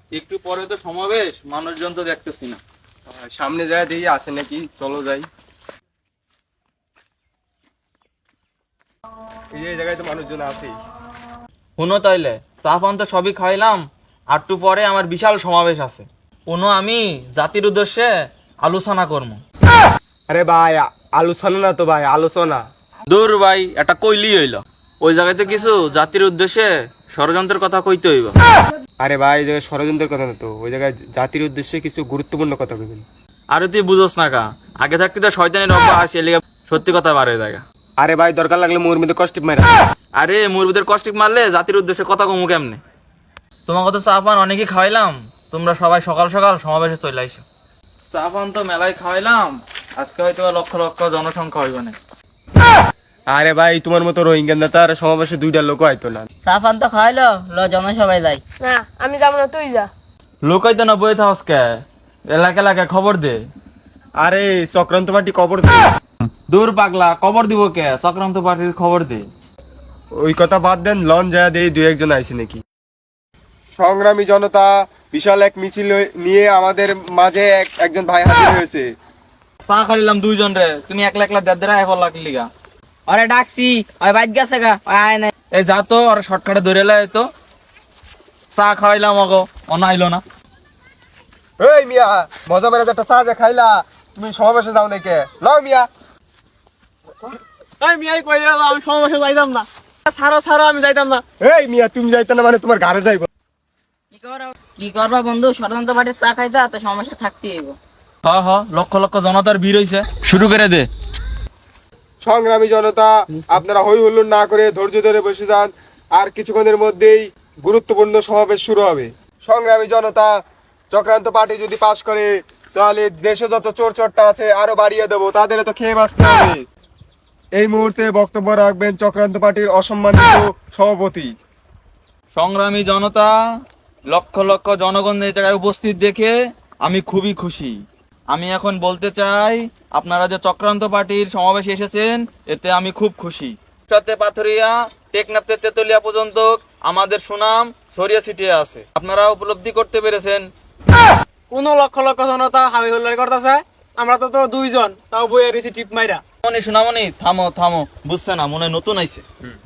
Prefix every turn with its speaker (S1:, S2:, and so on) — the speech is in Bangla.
S1: একটু পরে তো সমাবেশ, মানুষজন তো দেখতেছি না।
S2: সামনে যায় দেখি আসে নাকি, চলো যাই। এই জায়গায় তো মানুষজন আছে।
S1: শুনো তাইলে, চা পান তো সবই খাইলাম, একটু পরে আমার বিশাল সমাবেশ আছে। কোনো আমি জাতির উদ্দেশ্যে আলোচনা করবো।
S2: আরে ভাই, আলোচনা না তো ভাই, আলোচনা।
S1: দূর ভাই, এটা কইলি হইল। ওই জায়গাতে কিছু জাতির উদ্দেশ্যে ষড়যন্ত্রের কথা কইতে হইব।
S2: আরে ভাই, ওই জায়গায় ষড়যন্ত্রের কথা না তো, ওই জায়গায় জাতির উদ্দেশ্যে কিছু গুরুত্বপূর্ণ কথা বলবেন।
S1: আরে তুই বুঝোস না কা, আগে থাকতে তো শয়তানের অভ্যাস, এলিগে সত্যি কথা বার হয়ে যায়।
S2: আরে ভাই, দরকার লাগলে মোর মধ্যে কষ্ট মারা।
S1: আরে মুরবিদের কষ্টিক মারলে জাতির উদ্দেশ্যে কথা কমু কেমনে? তোমাকে তো চা পান অনেকই খাওয়াইলাম, তোমরা সবাই সকাল সকাল সমাবেশে চলে আইসো। চা পান তো মেলায় খাওয়াইলাম, আজকে হয়তো লক্ষ লক্ষ জনসংখ্যা হইব না।
S2: আরে ভাই, তোমার মতো রোহিঙ্গা নেতার সমাবেশে 2টা লোক আইতো না।
S3: সাফান তো খাইলো, জনসভায় যাই।
S4: না আমি যাবো না, তুই যা।
S1: লোক হইতো না, বই থাকস কে? এলাকা এলাকায় খবর দে।
S2: আরে চক্রান্ত পার্টি কবর দে।
S1: দূর পাগলা, খবর দিব কে? চক্রান্ত পার্টির খবর দে।
S2: ওই কথা বাদ দেন, লন যায় দেই 2-1 জন আইছে নাকি। সংগ্রামী জনতা, বিশাল এক মিছিল নিয়ে আমাদের মাঝে একজন ভাই হাজির হয়েছে।
S1: চা খাইলাম 2 জন রে, তুমি একলা একলা দেড় এখন লাগলি গা।
S3: ওরে ডাকছি, ওই বাইক গেছে গা, ওই আয় নাই।
S1: এই যা তো, আর শর্টকাটে ধরে লাই তো। চা খাওয়াইলাম অগো, অনা আইলো না।
S2: এই মিয়া, মজা মেরে একটা চা যে খাইলা, তুমি সমাবেশে যাও নাকি? লও মিয়া।
S4: এই মিয়াই কই দিলাম আমি সমাবেশে যাইতাম না। ছাড়ো ছাড়ো, আমি যাইতাম না।
S2: এই মিয়া, তুমি যাইতে না মানে তোমার ঘরে যাইব।
S3: কি করবা বন্ধু, ষড়যন্ত্র পার্টির চা খাইছা তো সমস্যা থাকতেই হইব।
S1: হ হ, লক্ষ লক্ষ জনতার ভিড় হইছে, শুরু করে দে।
S2: সংগ্রামী জনতা, আপনারা হই হুল্লোড় না করে ধৈর্য ধরে বসে যান, আর কিছুক্ষণের মধ্যেই গুরুত্বপূর্ণ সমাবেশ শুরু হবে। সংগ্রামী জনতা, চক্রান্ত পার্টি যদি পাশ করে তাহলে দেশে যত চোর চোরটা আছে আরো বাড়িয়ে দেবো, তাদের তো খেয়ে বাঁচতে হবে। এই মুহূর্তে বক্তব্য রাখবেন চক্রান্ত পার্টির অসম্মানিত সভাপতি।
S1: সংগ্রামী জনতা, লক্ষ লক্ষ জনগণ এই জায়গায় উপস্থিত দেখে আমি খুবই খুশি। আমি এখন বলতে চাই, আপনারা যে চক্রান্ত পার্টির সমাবেশে এসেছেন, এতে আমি খুব খুশি। সাথে পাথরিয়া, টেকনাফ থেকে তেতুলিয়া পর্যন্ত আমাদের সুনাম ছড়িয়ে ছিটিয়ে আছে। আপনারা উপলব্ধি করতে পেরেছেন।
S4: কোন লক্ষ লক্ষ জনতা হামি হুল্লাড়ি করতেছে, আমরা তো 2 জন, তাও বইয়ে দিছি টিপ মাইরা।
S1: সোনামণি, থামো থামো, বুঝছে না, মনে হয় নতুন আইছে।